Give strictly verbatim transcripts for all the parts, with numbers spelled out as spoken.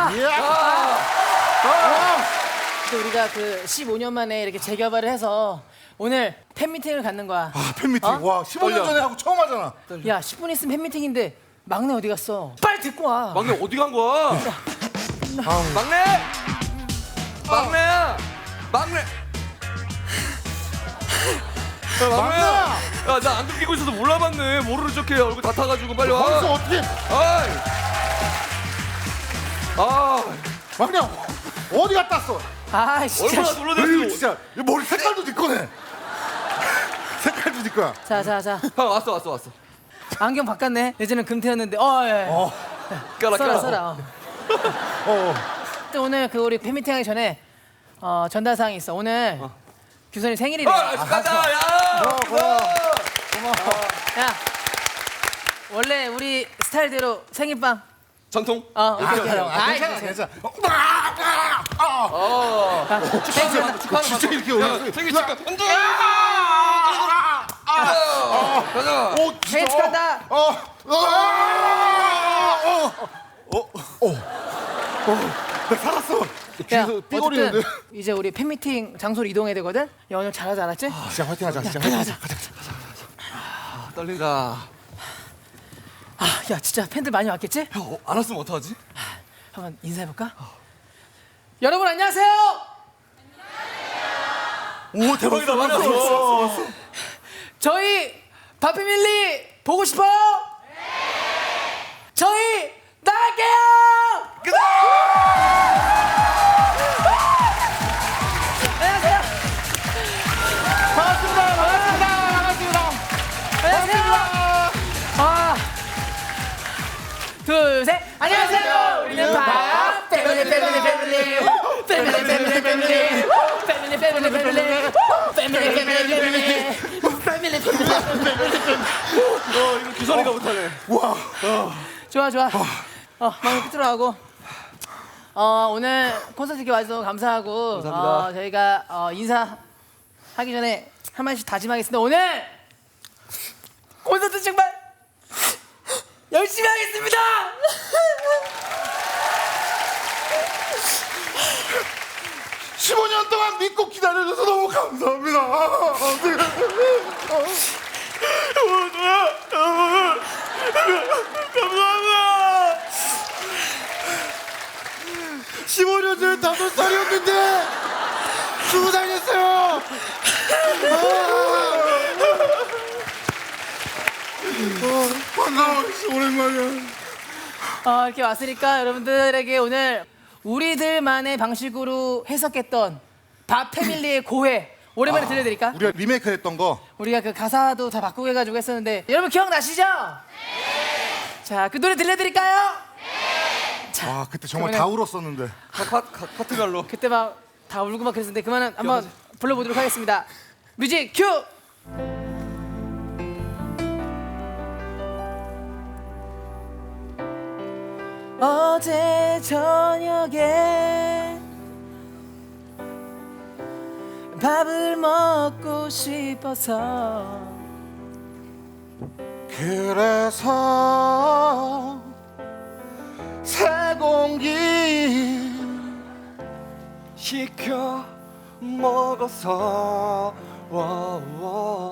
또 우리가 그 십오 년 만에 이렇게 재개발을 해서 오늘 팬미팅을 갖는 거야. 아, 팬미팅. 어? 와, 십오 년 전에 하고 처음 하잖아. 야, 십 분 있으면 팬미팅인데 막내 어디 갔어? 빨리 듣고 와. 막내 어디 간 거야? 막내! 막내야! 막내! 야, 막내야! 야, 나 안경 끼고 있어서 몰라봤네. 모르는 척해. 얼굴 다 타가지고 빨리 와. 거기서 어떻게? 아이! 아, 막내 어디 갔다 왔어? 아, 진짜. 얼마나 에이, 놀라댔어. 진짜 이 머리 색깔도 네 거네. 색깔도 네 거야. 자, 자, 자. 형 왔어, 왔어, 왔어. 안경 바꿨네. 예전엔 금태였는데. 어, 예. 어, 껴라, 써라, 껴라. 써라. 어. 어. 또 오늘 그 우리 팬미팅 하기 전에 어, 전달 사항이 있어. 오늘 규선이 생일이래. 아, 가자, 야! 고마워. 야, 원래 우리 스타일대로 생일빵. 전통? 어, 아, 이렇게 해요. 아, 아이, 괜찮아, 괜찮아. 어, 아, 아, 아. 어. 아, 진짜, 축하하는 진짜 방법. 이렇게 야, 올려. 생일 축하. 안돼! 가자. 오, 진짜. 생일 축하한다. 어, 어, 어, 어, 어, 어, 어, 나 살았어. 야, 뒤에서 삐거리는데. 어쨌든 이제 우리 팬미팅 장소로 이동해야 되거든. 야, 오늘 잘하지 않았지? 진짜 화이팅하자, 진짜 화이팅하자. 가자, 가자. 아, 떨린다. 아, 야, 진짜 팬들 많이 왔겠지? 형, 어, 안 왔으면 어떡하지? 한번 인사해볼까? 여러분 안녕하세요. 오, 대박이다, 많이 왔어. 저희 바피밀리 보고 싶어요? 네. 저희 나갈게요. 안녕하세요. 반갑습니다, 반갑습니다, 반갑습니다. 안녕하세요. 하나, 둘, 셋. 안녕하세요. 우리는 바 패밀리 패밀리 패밀리 패밀리 패밀리 패밀리 패밀리 패밀리 패밀리 패밀리 패밀리 패밀리 패밀리. 어, 이거 규선이가 못하네. 와, 좋아 좋아. 어, 막내 끝으로 하고. 어, 오늘 콘서트 이렇게 와주셔서 감사하고. 감사합니다. 어, 저희가 어, 인사하기 전에 한 마디씩 다짐하겠습니다. 오늘 콘서트 정말 열심히 하겠습니다. 십오 년 동안 믿고 기다려줘서 너무 감사합니다. 감사합니다. 십오 년 전에 다섯 살이었는데 스무 살 됐어요. 반가워, 오랜만이야. 어, 이렇게 왔으니까 여러분들에게 오늘 우리들만의 방식으로 해석했던 밥 패밀리의 고해 오랜만에 들려드릴까? 우리가 리메이크 했던 거. 우리가 그 가사도 다 바꾸고 해가지고 했었는데 여러분 기억나시죠? 네. 자, 그 노래 들려드릴까요? 네. 와, 그때 정말 그러면은- 다 울었었는데. 카, 카, 카, 카트갈로. 그때 막 다 울고 막 그랬었는데 그만은 한번 불러보도록 하겠습니다. 뮤직 큐! 어제 저녁에 밥을 먹고 싶어서 그래서 새 공기 시켜 먹어서 와, 와.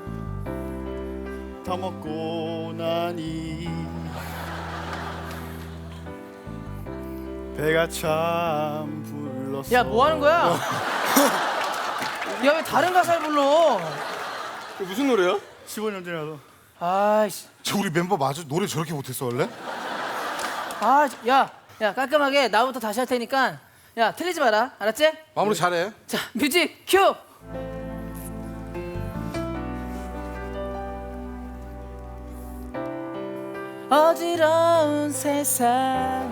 다 먹고 나니 배가 참 불렀어. 야, 뭐 하는 거야? 야, 왜 다른 가사를 불러? 이거 무슨 노래야? 십오 년 전이라서. 아이씨. 저 우리 멤버 맞아? 노래 저렇게 못했어 원래? 아, 야, 야, 깔끔하게 나부터 다시 할 테니까 야, 틀리지 마라. 알았지? 마무리 잘해. 자, 뮤직 큐! 어지러운 세상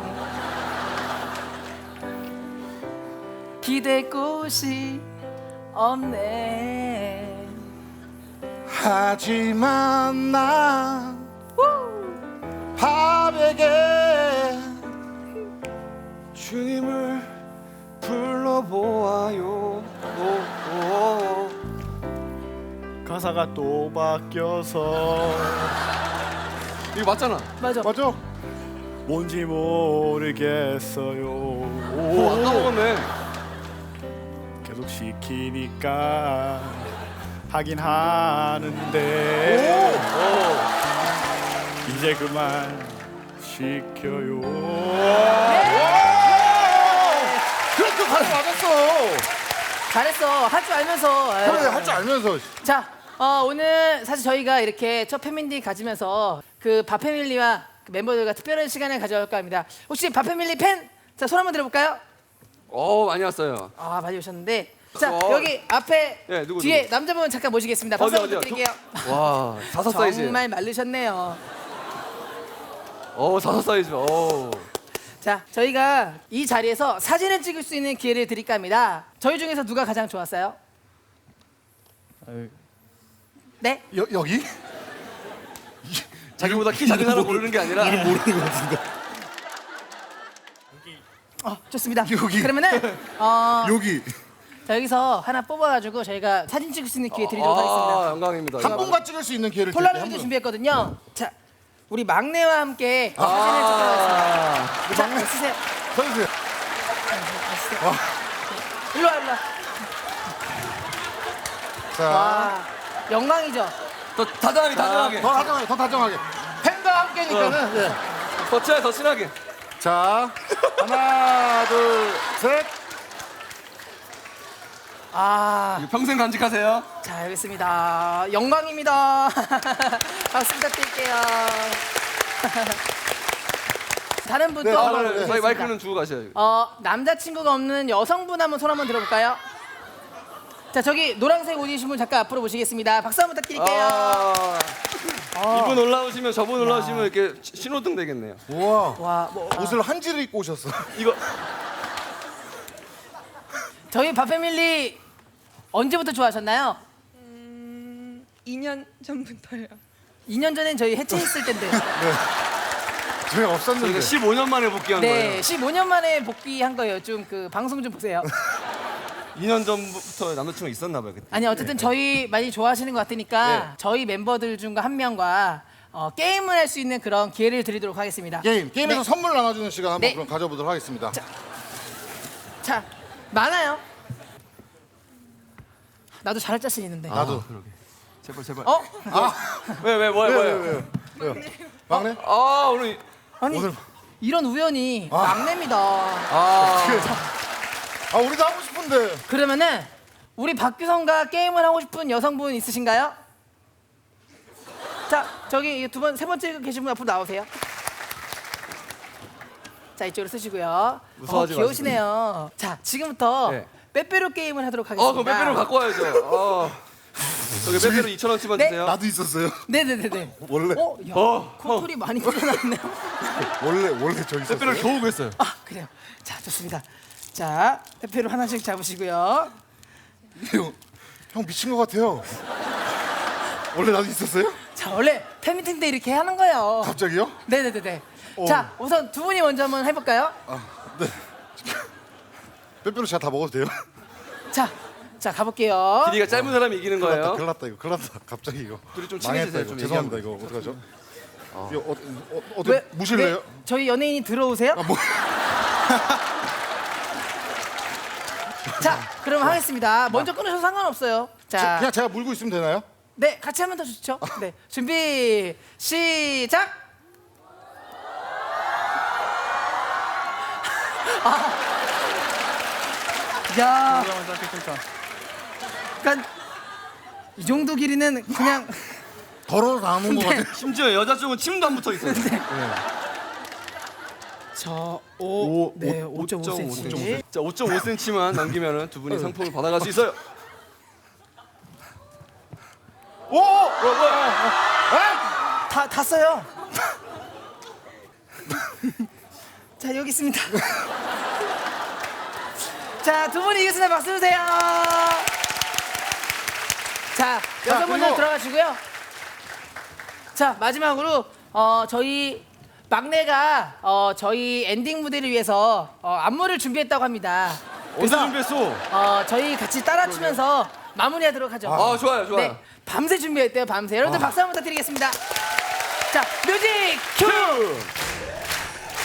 기댈 곳이 없네. 하지만 난 밥에게 주님을 불러보아요. 오, 오. 가사가 또 바뀌어서 이거 맞잖아. 맞아. 맞아? 뭔지 모르겠어요. 오, 안 까먹었네. 계속 시키니까 하긴 하는데 이제 그만 시켜요. 그렇게 바로 맞았어. 잘했어. 할 줄 알면서. 그래, 할 줄 알면서. 자, 어, 오늘 사실 저희가 이렇게 첫 패밀리 가지면서 그 밥패밀리와 그 멤버들과 특별한 시간을 가져볼까 합니다. 혹시 밥패밀리 팬? 자, 손 한번 들어볼까요? 어, 많이 왔어요. 아, 많이 오셨는데. 자, 어. 여기 앞에 예, 누구, 뒤에 누구? 남자분 잠깐 모시겠습니다. 박수 어디, 한번 어디요? 부탁드릴게요. 와, 다섯 사이즈. 정말 마르셨네요. 어, 다섯 사이즈. 어. 자, 저희가 이 자리에서 사진을 찍을 수 있는 기회를 드릴까 합니다. 저희 중에서 누가 가장 좋았어요? 네? 여, 여기? 자기보다 키 작은 사람 고르는 게 아니라 모르는 것 같은데. 어, 좋습니다. 여기. 그러면은 어, 여기. 자, 여기서 하나 뽑아가지고 저희가 사진 찍을 수 있는 기회 드리도록 아, 하겠습니다. 영광입니다. 한 분만 찍을 수 있는 기회를 드릴게요. 한 폴라로이드 분. 준비했거든요. 자, 우리 막내와 함께 사진을 찍도록 하겠습니다. 자, 막내. 쓰세요. 서주세요. 일로 와, 일로 와. 자, 와, 영광이죠. 더 다정하게, 다정하게. 더 다정하게, 더 다정하게. 팬과 함께니까는. 네. 더 친하게, 더 친하게. 자, 하나, 둘, 셋. 아, 이거 평생 간직하세요. 자, 알겠습니다. 영광입니다. 박수 부탁드릴게요. 다른 분도 네, 아, 네, 네, 네. 저희 마이크는 주고 가셔요. 어, 남자친구가 없는 여성분 한번 손 한번 들어볼까요? 자, 저기 노란색 옷 입으신 분 잠깐 앞으로 모시겠습니다. 박수 한번 부탁드릴게요. 아, 어. 이분 올라오시면 저분 올라오시면 이렇게 시- 신호등 되겠네요. 우와. 와, 뭐 옷을 한지를 입고 오셨어. 이거 저희 밥패밀리 언제부터 좋아하셨나요? 이 년 전부터요. 이 년 전엔 저희 해체했을 텐데. 저희 없었는데. 저희가 십오 년 만에 복귀한 네, 거예요. 십오 년 만에 복귀한 거예요. 좀 그 방송 좀 보세요. 이 년 전부터 남자친구 있었나 봐요. 그때. 아니 어쨌든 저희 많이 좋아하시는 것 같으니까 네. 저희 멤버들 중 한 명과 어, 게임을 할 수 있는 그런 기회를 드리도록 하겠습니다. 게임, 게임에서 네. 선물 나눠주는 시간 한번 네. 그럼 가져보도록 하겠습니다. 자, 많아요. 나도 잘할 자신 있는데. 나도. 제발 제발. 어? 왜 왜 뭐야 왜요, 뭐야. 왜요, 왜요? 왜요? 막내? 아 오늘 아니 오늘- 이런 우연이 막내입니다. 아 아, 우리도 하고 싶은데. 그러면은 우리 박규성과 게임을 하고 싶은 여성분 있으신가요? 자, 저기 두 번, 세 번째 계신 분 앞으로 나오세요. 자, 이쪽으로 쓰시고요. 무서워하지 어, 귀여우시네요. 자, 지금부터 네. 빼빼로 게임을 하도록 하겠습니다. 어 그럼 빼빼로 갖고 와야죠. 어. 저기 빼빼로 이천 원치만 네. 주세요. 나도 있었어요. 네네네네. 원래 어, 야, 어, 코털이 많이 풀어놨네요. 원래 원래 저 있었어요. 빼빼로를 겨우 구했어요. 아, 그래요. 자, 좋습니다. 자, 빼빼로 하나씩 잡으시고요. 형, 형 미친 것 같아요. 원래 나도 있었어요? 자, 원래 팬미팅 때 이렇게 하는 거예요. 갑자기요? 네네네네. 어. 자, 우선 두 분이 먼저 한번 해볼까요? 네. 빼빼로 제가 다 먹어도 돼요? 자, 자 가볼게요. 길이가 짧은 사람이 이기는 큰일 났다, 거예요. 큰일 났다 이거, 큰일 났다. 갑자기 이거. 둘이 좀 망했다 친해지세요, 이거. 좀 죄송합니다 이거 어떡하죠? 이거 어, 어, 어, 어떻게 무실래요? 네, 저희 연예인이 들어오세요? 아, 뭐? 자, 그럼 하겠습니다. 먼저 끊으셔도 상관없어요. 자, 제- 그냥 제가 물고 있으면 되나요? 네, 같이 하면 더 좋죠. 네, 준비 시작. 아, 야, 그러니까 이 정도 길이는 그냥 더러워서 안 온 것 같아요. 심지어 여자 쪽은 침도 안 붙어 있어요. 저 오, 네, 오- 오 점 오 센티미터. 자, 오 점 오 센티미터만 남기면 두 분이 상품을 받아갈 수 있어요. 오! 뭐야, 뭐야. 다, 다 써요. 자, 여기 있습니다. 자, 두 분이 이겼습니다. 박수 주세요. 자, 여성분들 그리고- 들어가시고요. 자, 마지막으로 어, 저희 막내가 어, 저희 엔딩 무대를 위해서 어, 안무를 준비했다고 합니다. 언제 준비했어? 어, 저희 같이 따라 추면서 마무리하도록 하죠. 아, 좋아요, 좋아요. 네, 밤새 준비했대요. 밤새. 여러분들 박수 한번 부탁드리겠습니다. 자, 뮤직 큐.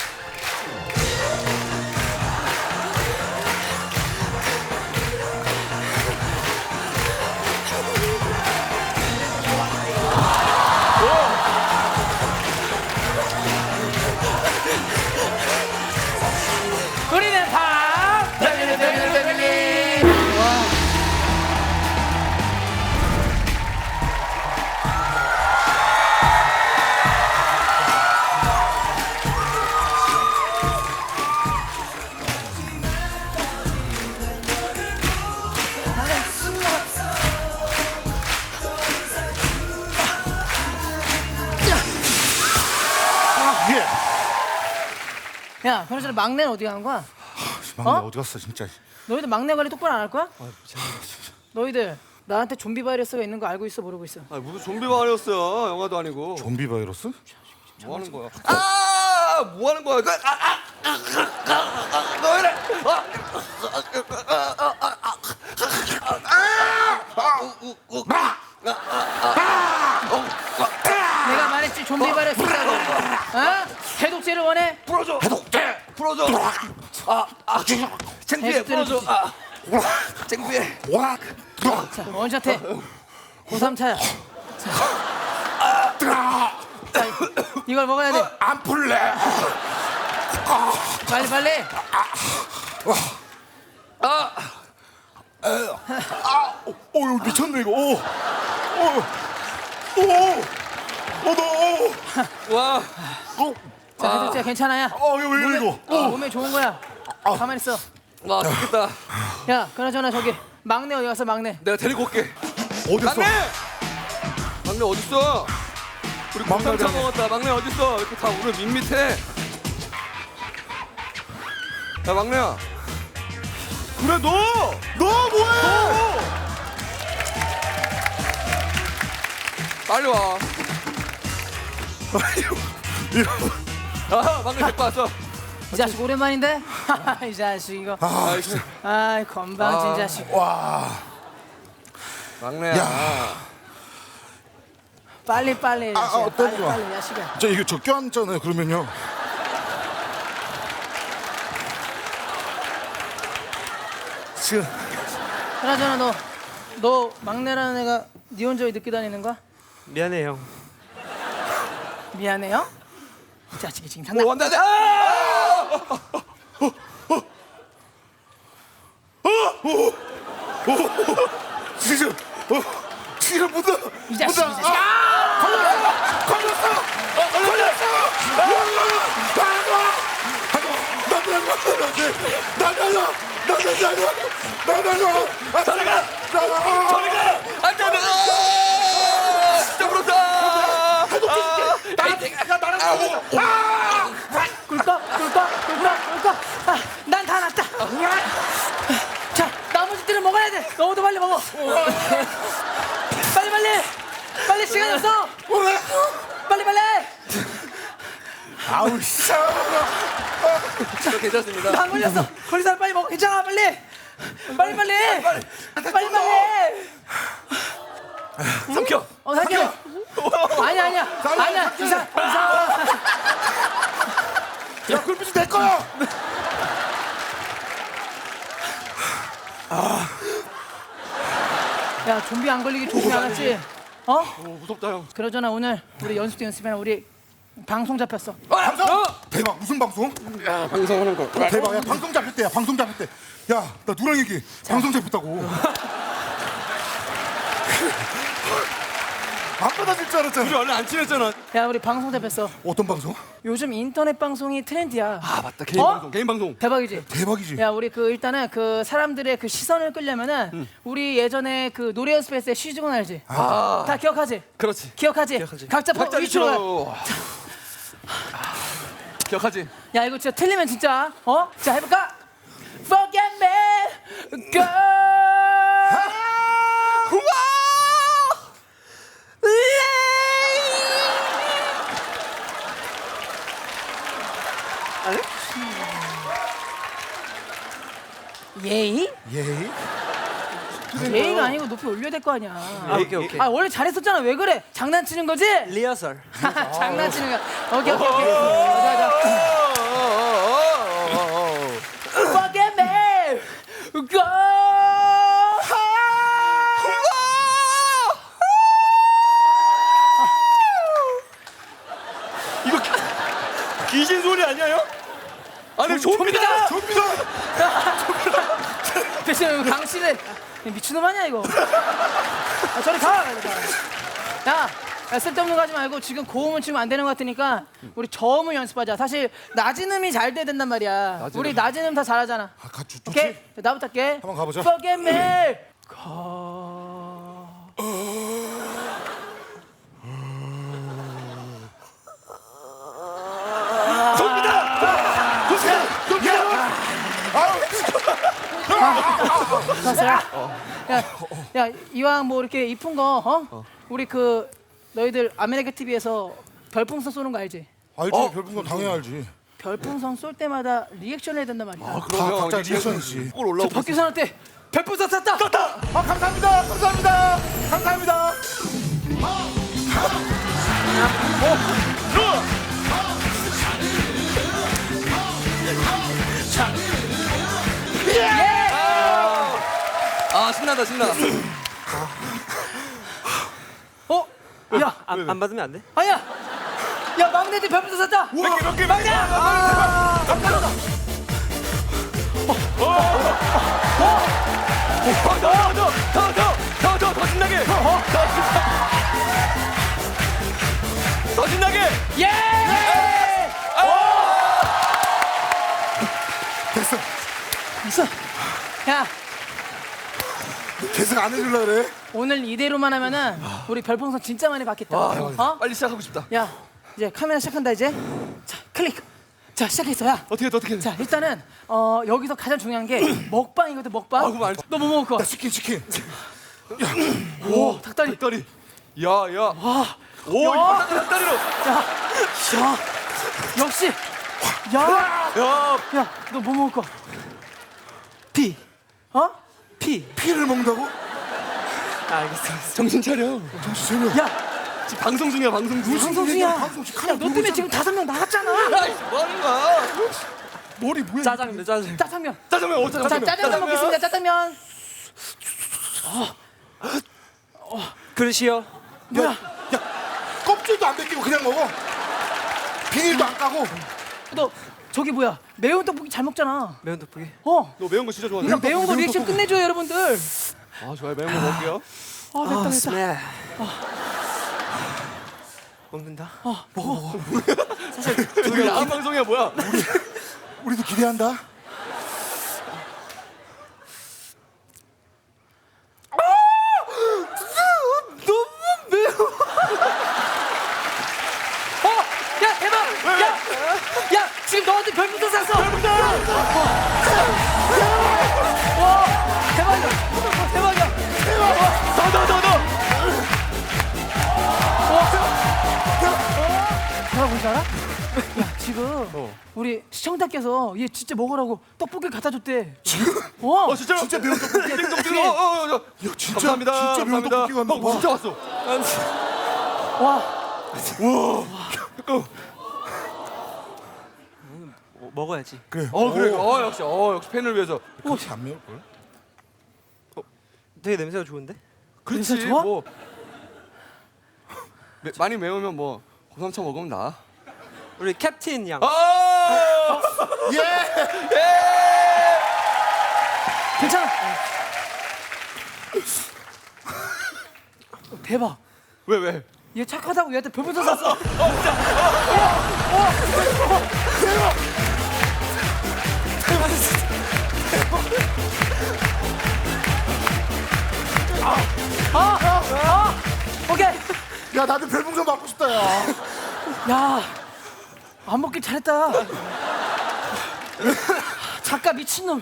야, 그나저나 막내는 어디 가는 거야? 막내 어? 어? 디 갔어 진짜. 너희들 막내 관리 똑바로 안 할 거야? 너희들 나한테 좀비 바이러스가 있는 거 알고 있어 모르고 있어? 아 무슨 좀비 바이러스야? 영화도 아니고. 좀비 바이러스? 뭐 하는 거야? 아! 뭐 하는 거야? 그, 아, 아, 아, 아, 아, 너 이래? 아, 내가 말했지 좀비 바이러스 있다고. 어? 해독제를 원해? 풀어줘. 해독제. 풀어줘. 아, 아, 창피해. 풀어줘. 아, 창피해. 와. 자, 원샷해. 고삼차야. 자, 이걸 먹어야 돼. 안 풀래. 빨리 빨리. 아, 어, 어, 이거 미쳤네 이거. 오, 오, 오, 오, 너, 와, 오, 자, 해독제 괜찮아야. 어, 이거 왜 이래 이거? 어, 몸에 좋은 거야. 가만히 있어. 와, 좋겠다. 야, 그나저나 저기 막내 어디 갔어 막내? 내가 데리고 올게. 어딨어? 막내! 막내 어딨어? 우리 막내 곰탕 어디 먹었다. 막내 어딨어? 이렇게 다 오늘 밋밋해. 야, 막내야. 그래, 너! 너 뭐해? 빨리 와. 이거, 아, 막내 데리고 왔어. 이 자식 오랜만인데? 이 자식 이거. 아, 진짜. 아이 건방진 아. 자식. 와, 막내야. 야. 빨리 빨리. 아, 야식아. 아, 빨리 떨지 마. 빨리 야식아. 저 이거 적게 앉잖아요. 그러면요. 지금 그나저나 너, 너 막내라는 애가 네 혼자 왜 늦게 다니는 거야? 미안해, 형. 미안해요? 이 자식이 지금 장난. 뭐, 나, 나, 아! 지금 어, 지금 묻어. 이 자식 이 묻어. 자식. 아, 걸렸어, 걸렸어, 어, 걸렸어. 나 달려, 나 달려, 나 달려, 나 달려, 나가, 나가. 안 돼, 안 돼! 아! 진짜 부럽다! 꿀꺽 꿀꺽 꿀꺽 꿀꺽. 아, 난 다 났다. 자, 나머지들은 먹어야 돼. 너도 빨리 먹어. 빨리 빨리. 빨리 시간 없어. 빨리 빨리. 아우 씨. 저 괜찮습니다. 나 안 걸렸어. 걸린 사람 빨리 먹어. 괜찮아 빨리. 빨리 빨리. 빨리 빨리. 삼켜! 어 살게. 아니야 아니야 아니야 이상 이상. 야, 굴빛이 내 거야. 야 좀비 안 걸리게 조심히 알았지? 어? 오, 무섭다, 형. 그러잖아 오늘 우리 연습 때 연습이나 우리 방송 잡혔어. 방송? 대박. 무슨 방송? 야, 방송하는 거. 대박. 야, 방송 잡혔대. 야, 방송 잡혔대. 야, 나 누랑 얘기. 방송 잡혔다고. 안 받아줄 줄 알았잖아. 우리 원래 안 친했잖아. 야 우리 방송 잡혔어. 어떤 방송? 요즘 인터넷 방송이 트렌드야. 아, 맞다. 개인 어? 방송, 개인 방송. 대박이지? 대박이지. 야 우리 그 일단은 그 사람들의 그 시선을 끌려면은 우리 예전에 그 노래 연습했을 때 시즈건 알지? 아, 다 기억하지? 그렇지. 기억하지? 기억하지. 각자 버- 각자 위치로 가. 위치로. 기억하지? 야 이거 진짜 틀리면 진짜 어? 자 해볼까? Forget me, girl. 우와! 예의? 예의? 예의가 아니고 높이 올려야 될 거 아니야. 오케이, 오케이. 아 원래 잘했었잖아. 왜 그래? 장난치는 거지? 리허설. 장난치는 거야. 오케이 오케이 오케이. 자, 자. Forget me, girl. 이거 귀신 소리 아니에요? 아니, 좀비다! 좀비다! 대신 강 씨는 미친놈 아니야 이거. 아, 저리 가. 야, 야, 쓸데없는 거 하지 말고 지금 고음은 치면 안 되는 것 같으니까 우리 저음을 연습하자. 사실 낮은 음이 잘 돼야 된단 말이야. 낮은 우리 음. 낮은 음 다 잘하잖아. 아, 가, 좋, 오케이? 좋지? 자, 나부터 할게. 한번 가보자. Forget me. 가. 좀비다! 좋았어. 야, 야, 야, 이왕 뭐 이렇게 이쁜 거, 어? 우리 그 너희들 아메리카 티비에서 별풍선 쏘는 거 알지? 알지, 어? 별풍선 당연히 알지. 별풍선 쏠 때마다 리액션을 해야 된단 말이야. 다 그러면 각자 이제 리액션이지. 꼴 올라오고 박규선한테 별풍선 쐈다. 쐈다. 아, 감사합니다. 감사합니다. 감사합니다. 아 신나다 신나. 어? 야, 안, 안 받으면 안 돼? 아야. 야, 막내들 별풍선 쐈다. 몇 개, 몇 개, 막내. 아, 감사합니다. 더더더더더더 신나게. 더 신나게. 예! 됐어. 있어. 야, 계속 안 해줄라 그래? 오늘 이대로만 하면은 우리 별풍선 진짜 많이 받겠다. 어? 빨리 시작하고 싶다. 야, 이제 카메라 시작한다 이제. 자, 클릭. 자, 시작했어. 야. 어떻게 해, 어떻게 해. 자, 일단은 어, 여기서 가장 중요한 게 먹방이거든, 먹방. 아, 그거 알지. 너 뭐 먹을 거야? 나 치킨, 치킨. 오, 닭다리. 닭다리. 야, 야. 와. 오, 야. 이거 닭다리로. 야. 야. 역시. 야. 야, 야, 너 뭐 먹을 거야? 피. 어? 피. 피를 먹는다고? 아, 알겠어. 정신 차려. 정신 차려. 야, 지금 방송 중이야, 방송 중. 방송 중이야. 방송 중 야, 카메라 너 때문에 들고 지금 다섯 명 나갔잖아. 아이, 뭐 하는 거야? 머리 뭐야? 짜장면, 짜장면. 짜장면. 짜장면, 어, 자, 짜장면. 짜장면 먹겠습니다. 짜장면. 그릇이요. 뭐야? 야, 껍질도 안 벗기고 그냥 먹어. 비닐도 안 까고. 너 저기 뭐야? 매운 떡볶이 잘 먹잖아. 매운 떡볶이. 어. 너 매운 거 진짜 좋아하네. 그러니까 매운 거 매운 리액션 떡볶이. 끝내줘요, 여러분들. 아, 좋아요. 매운 거 먹을게요. 아, 됐다, 됐다. 스멜. 먹는다. 이거 야한 방송이야, 뭐야? 우리도 기대한다. 어, 야, 대박! 야, 야, 지금 너한테 별풍선 쐈어. 별풍선. 와, 대박이야. 대박이야. 더, 더, 더, 더. 뭐라 뭔지 알아? 야, 지금 우리 시청자께서 얘 진짜 먹으라고 떡볶이 갖다 줬대. 어? 어, 진짜로? 진짜 매운 떡볶이. 띵동 어, 어, 어, 어. 야, 진짜, 감사합니다. 진짜 매운 감사합니다. 떡볶이가 왔나 어, 봐. 진짜 왔어. 와, 어, 먹어야지. 그래. 어, 그래. 오. 어, 역시. 어, 역시 팬을 위해서. 그렇게 안 매울 걸? 되게 냄새가 좋은데? 그렇지. 냄새 좋아? 뭐 매, 많이 매우면 뭐 고삼차 먹으면 나. 우리 캡틴 양. 아! 예. 괜찮아. 어, 대박. 왜 왜? 얘 착하다고 얘한테 별풍선 쐈어. 오케이. 야, 나도 별풍선 받고 싶다, 야. 야, 안 먹길 잘했다. 작가 미친놈.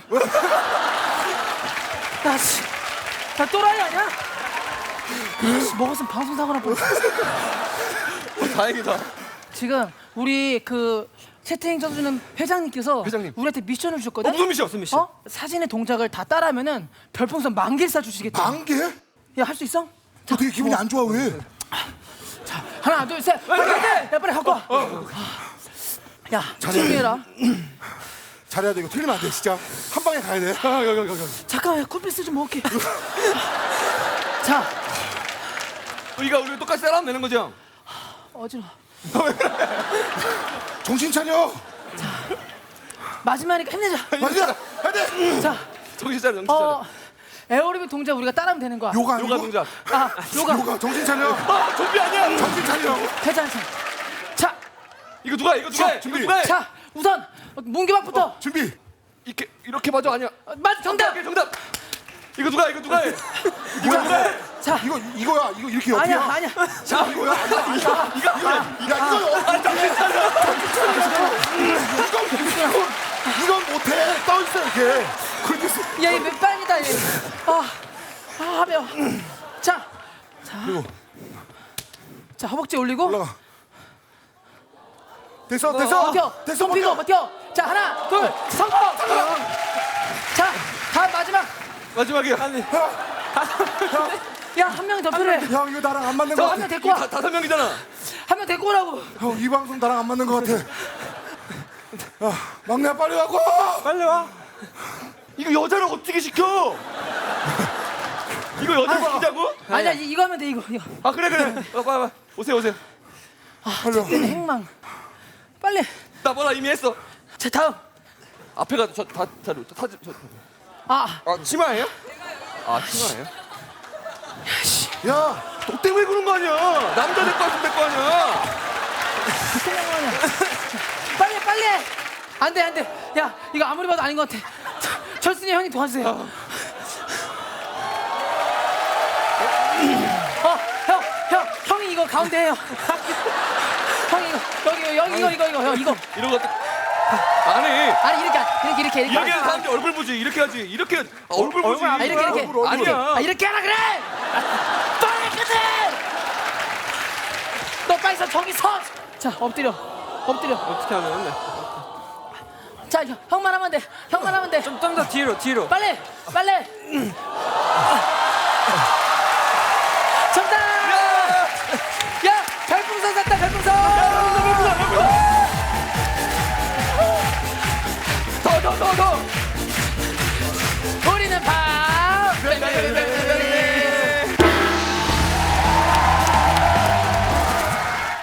야, 씨. 야, 또라이 아니야? 야, 씨, 먹었으면 방송 사고 날 뻔했어. 어, 다행이다. 지금 우리 그 채팅 쳐주는 회장님께서 회장님. 우리한테 미션을 주셨거든? 어, 무슨 미션? 무슨 미션? 어? 사진의 동작을 다 따라하면은 별풍선 만 개를 쏴주시겠다. 만 개? 야, 할 수 있어? 너 되게 기분이 안 좋아, 왜? 자, 하나, 둘, 셋. 빨리, 빨리, 야, 빨리 갖고 와. 야, 준비해라. 잘해야 돼. 이거 틀리면 안 돼, 진짜. 한 방에 가야 돼. 아, 여기 여기 여기. 잠깐만, 쿨피스 좀 먹을게. 자, 우리가 우리 똑같이 따라하면 되는 거지, 형? 어지러워. 정신 차려. 마지막이니까 힘내자. 맞아. 해야 돼. 자, 정신 차려, 정신 차려. 어, 에어로빅 동작 우리가 따라하면 되는 거야. 요가 아니고? 요가 동작. 아, 요가. 요가. 정신 차려. 아, 좀비 아니야. 정신 차리라고. 괜찮아, 괜찮아. 자, 이거 누가 해? 이거 누가 해? 준비. 이거 누가 해? 자, 우선 문개박부터. 준비. 이렇게 이렇게 봐줘 아니야. 어, 맞, 정답. 오케이, 정답. 이거 누가 해? 이거 누가 해? 이거 누가 해? 자, 이거 이거야. 이거 이렇게 옆이야. 아니야, 아니야. 자, 이거야. 아니야. 이거 이거 이거. 야, 이거 아, 정신 차려. 이건 이건 못해. 떠 있어 이렇게. 그렇게 야, 이 몇 반이다. 합니다. 예. 아, 아 매워. 자, 자, 자 허벅지 올리고. 올라가. 됐어, 어, 됐어. 버텨. 됐어, 손 펴고 버텨. 버텨. 자, 하나, 둘, 성공. 자, 다음 마지막. 마지막이야. 아니. 야, 한 명 더 필요해. 형, 이거 나랑 안 맞는 거 한 같아. 명 데리고 와. 다, 다섯 명이잖아. 한 명 데리고 오라고. 형, 이 방송 나랑 안 맞는 거 같아. 야, 막내야 빨리 와고. 빨리 와. 이거 여자를 어떻게 시켜? 이거 여자 시키자고? 아니야, 이- 이거 하면 돼 이거. 이거. 아 그래 그래. 어, 빨리 빨리. 오세요 오세요. 빨리 와. 얘는 행망. 빨리. 나 뭐라 이미 했어. 자, 다음. 앞에 가서 저다다 저, 저, 저, 아, 아 치마예요? 아 치마예요? 야, 너 때문에 그런 거 아니야? 남자 될거 같으면 될거 아니야? 빨리 빨리. 안 돼, 안 돼. 야, 이거 아무리 봐도 아닌 것 같아. 철순이 형이 도와주세요. 어, 형, 형, 형이 이거 가운데 해요. 형이 이거 여기 여기 이거 이거 이거 형 이거. 이런 거 아니 아니 이렇게 이렇게 이렇게 이렇게. 이렇게 하는 사람들 얼굴 보지 이렇게 하지 이렇게 아, 얼굴 보지 아, 이렇게 이렇게. 얼굴, 얼굴. 아니야. 아, 이렇게 하라 그래. 빨리 끝내. 너 빨리 서 저기 서. 자, 엎드려. 엎드려. 어떻게 하면 돼? 자, 형, 형만 하면 돼. 형만 하면 돼. 좀 좀 더 뒤로 뒤로. 빨리 빨리